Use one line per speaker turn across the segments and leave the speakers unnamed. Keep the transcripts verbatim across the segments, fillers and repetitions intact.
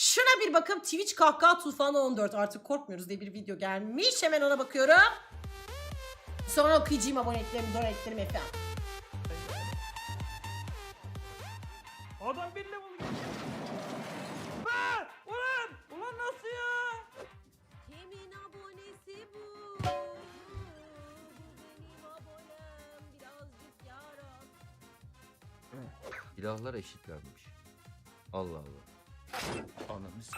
Şuna bir bakın, Twitch kahkaha tufanı on dört, artık korkmuyoruz diye bir video gelmiş. Hemen ona bakıyorum. Sonra okuyacağım aboneliklerimi, donetlerimi efendim.
Adam bir level geçti. Be! Ulan! Ulan nasıl ya?
Kimin abonesi bu? Bu benim abonem. Birazcık yaram.
Silahlar eşitlenmiş. Allah Allah. Ananı s-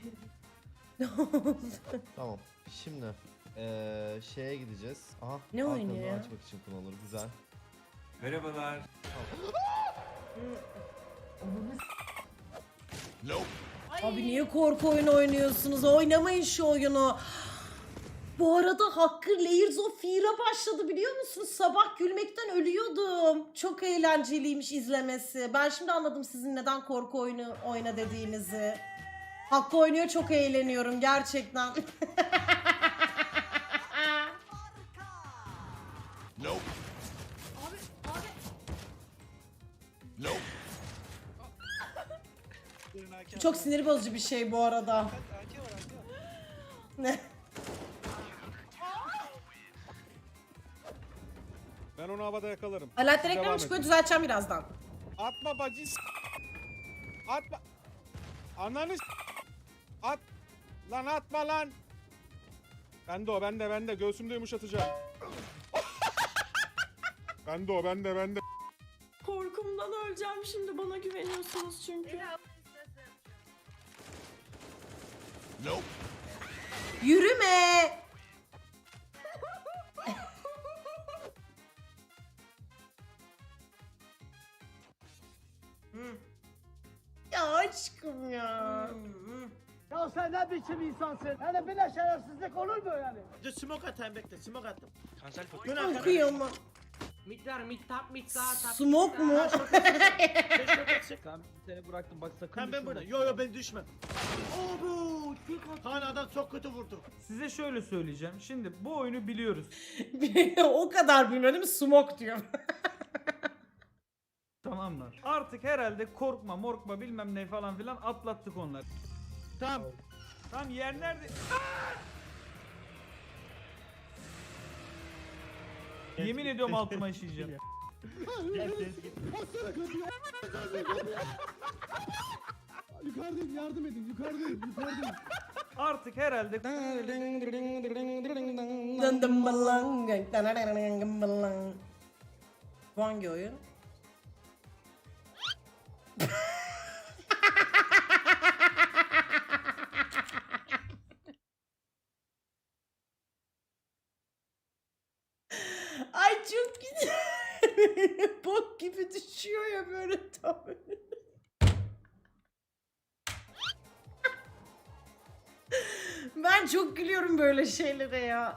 Tamam. Şimdi eee şeye gideceğiz. Aha.
Ne
arkamdan
oynuyor ya?
açmak için kullanılır. Güzel.
Merhabalar.
Abi niye korku oyunu oynuyorsunuz? Oynamayın şu oyunu. Bu arada Hakkı Layers of Fear'a başladı, biliyor musunuz? Sabah gülmekten ölüyordum. Çok eğlenceliymiş izlemesi. Ben şimdi anladım sizin neden korku oyunu oyna dediğinizi. Hakkı oynuyor, çok eğleniyorum gerçekten. Çok sinir bozucu bir şey bu arada. Ne?
Ben onu havada yakalarım.
Alaaddin
Devam
reklamı
edin.
çıkıyor, düzelteceğim birazdan.
Atma bacı s- Atma. Ananı s- At. Lan atma lan. Bende o bende bende. Göğsümde yumuşatacağım. Bende o bende bende.
Korkumdan öleceğim şimdi, bana güveniyorsunuz çünkü.
Yürüme. Ya aşkım ya.
Ya sen ne biçim insansın? Yani böyle şerefsizlik olur mu yani?
Dur smoke atayım bekle smoke attım.
Cancel for
Dön arkana.
Kıyamam.
Mid var mid tap mid sağ tap.
Smoke mu?
Beş shot atacak.
Tamam seni bıraktım bak sakın.
Tamam ben burada. Yo yo ben düşmem. Obo. Kaan adam çok kötü vurdu.
Size şöyle söyleyeceğim. Şimdi bu oyunu biliyoruz.
O kadar bilmiyor değil mi? Smoke diyor.
Tamam mı? Artık herhalde korkma morkma bilmem ne falan filan atlattık onları.
Tamam.
Tamam yer nerede? Yemin ediyorum altıma işeyeceğim.
Yukarıdayım yardım edin yukarıdayım yukarıdayım.
Artık herhalde
Dındım balang, danararararım balang. Bu hangi oyun? Ay çok güzel. Bok gibi düşüyor ya böyle tam. Ben çok gülüyorum böyle şeylere ya.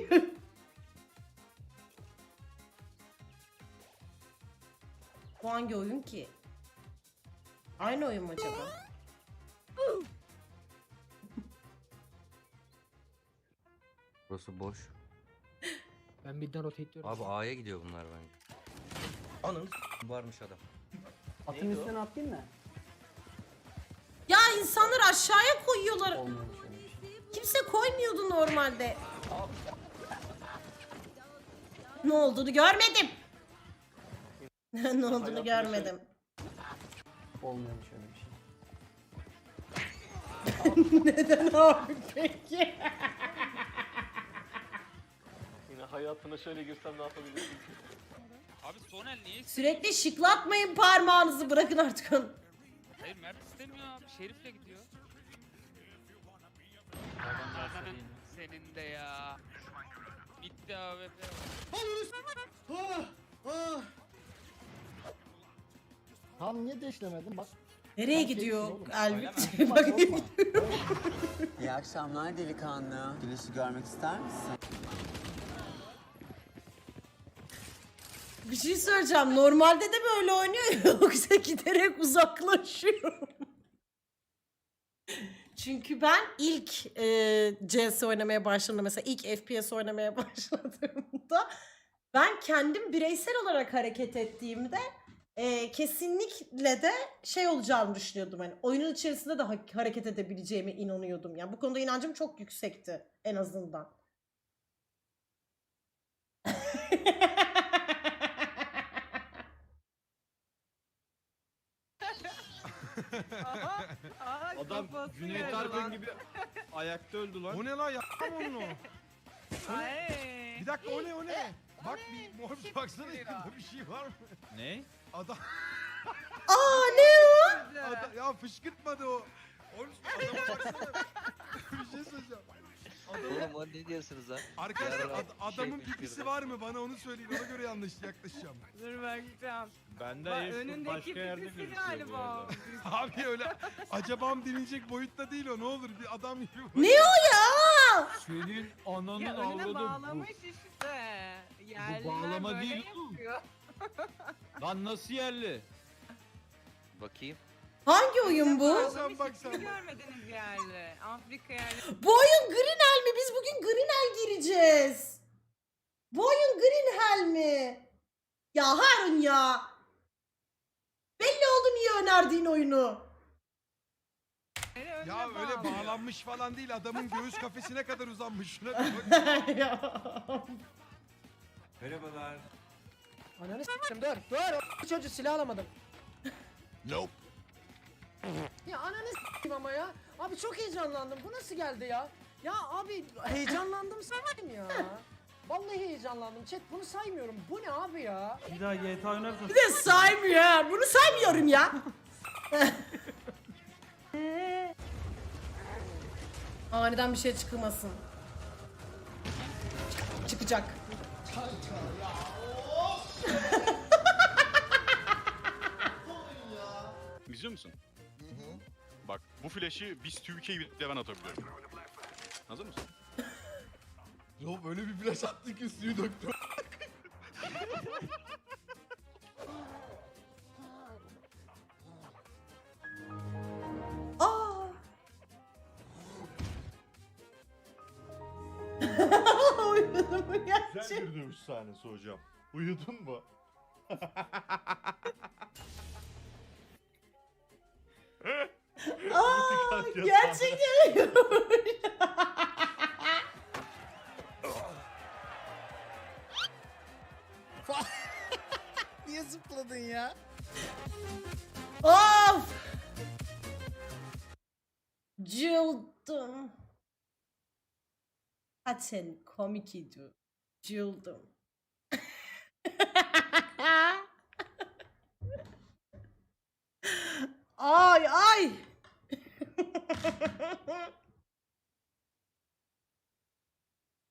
Bu hangi oyun ki? Aynı oyun mu acaba?
Burası boş.
Ben midden rotate diyorum.
Abi A'ya gidiyor bunlar bence. Ananı s- varmış adam.
Atın üstüne atlayayım mı?
Ya insanlar aşağıya koyuyorlar. Kimse koymuyordu normalde. Ne olduğunu görmedim. Ne olduğunu görmedim.
Olmuyormuş öyle bir şey.
Neden abi peki?
Yine hayatına şöyle girsem ne yapabilirsin?
Abi Sonel niye?
Sürekli şıklatmayın parmağınızı, bırakın artık onu.
Hayır Mert istemiyor abi. Şerif'le gidiyor. Ananın senin de ya. Bitti abi.
Ah, ah.
Tam niye deşlemedin bak.
Nereye gidiyor Elvin?
Bak,
Bak,
korkma.
İyi akşamlar delikanlı. Güneşi görmek ister misin?
bir şey söyleyeceğim. Normalde de böyle oynuyor yoksa giderek uzaklaşıyor. Çünkü ben ilk e, C S oynamaya başladığımda, mesela ilk F P S oynamaya başladığımda ben kendim bireysel olarak hareket ettiğimde e, kesinlikle de şey olacağını düşünüyordum. Hani oyunun içerisinde de ha- hareket edebileceğime inanıyordum. Yani bu konuda inancım çok yüksekti en azından.
Adam Cüneyt Arkın gibi ayakta öldü lan.
O ne lan yapmam onu. O ne? Bir dakika o ne o ne? Bak bir mor baksana yakında bir şey var mı?
Ne?
Adam,
Aa ne o?
adam ya fışkırtmadı o. Oğlum adama baksana. Bir şey söyleyeceğim. Adamın,
Oğlum ne diyorsunuz lan?
arkadaşlar
Yarın
ad-
bir
adamın
şey
pipisi
fışkırdı.
var mı? Bana onu söyleyin. Ona göre yanlış yaklaşacağım.
Dur bakacağım.
Bende
Bak,
Airsoft
önündeki
başka yerde
pipisi
gözüküyor bu
galiba.
arada.
Abi öyle acabam denilecek boyutta değil o. Ne olur bir adam gibi.
Ne o ya?
Senin ananın
Ya önüne
avladı
bağlamış işte. Yerliler
bağlama
böyle
değil oğlum.
yapıyor.
bu. Lan nasıl yerli?
Bakayım.
Hangi oyun bu?
Bağlamış,
bak
hiç
sen
mi
bak.
görmediniz yerli? Afrika yerli.
Bu oyun Green Hell mi? Biz bugün Green Hell gireceğiz. Bu oyun Green Hell mi? Ya Harun ya. Belli oldu niye önerdiğin oyunu.
Önüne
Ya öyle
bağlıyor.
bağlanmış falan değil. Adamın göğüs kafesine kadar uzanmış. Şuna bir bak.
Ya.
Merhabalar.
Ananı s**tim dur dur. Çocuğu silah alamadım.
Nope.
Ya ananı s**tim ama ya. Abi çok heyecanlandım. Bu nasıl geldi ya? Ya abi heyecanlandım s**tim ya. Vallahi heyecanlandım. Chat bunu saymıyorum. Bu ne abi ya?
Bir daha G T A oynarsan
Bir de saymıyor. Bunu saymıyorum ya. Aniden bir şey çıkmasın. Çıkacak.
İzliyor musun? Bak bu flash'i biz Türkiye bile ben atabiliyorum. Hazır mısın?
Yo böyle bir flash attı ki suyu döktü.
Aa. Uyudum mu gerçek?
bir dövüş sahnesi hocam. Uyudun mu?
Aa, gerçekten uyumuş.
Niye zıpladın ya?
Of! Cıldım. Zaten komik idi. Cıldım. ay ay.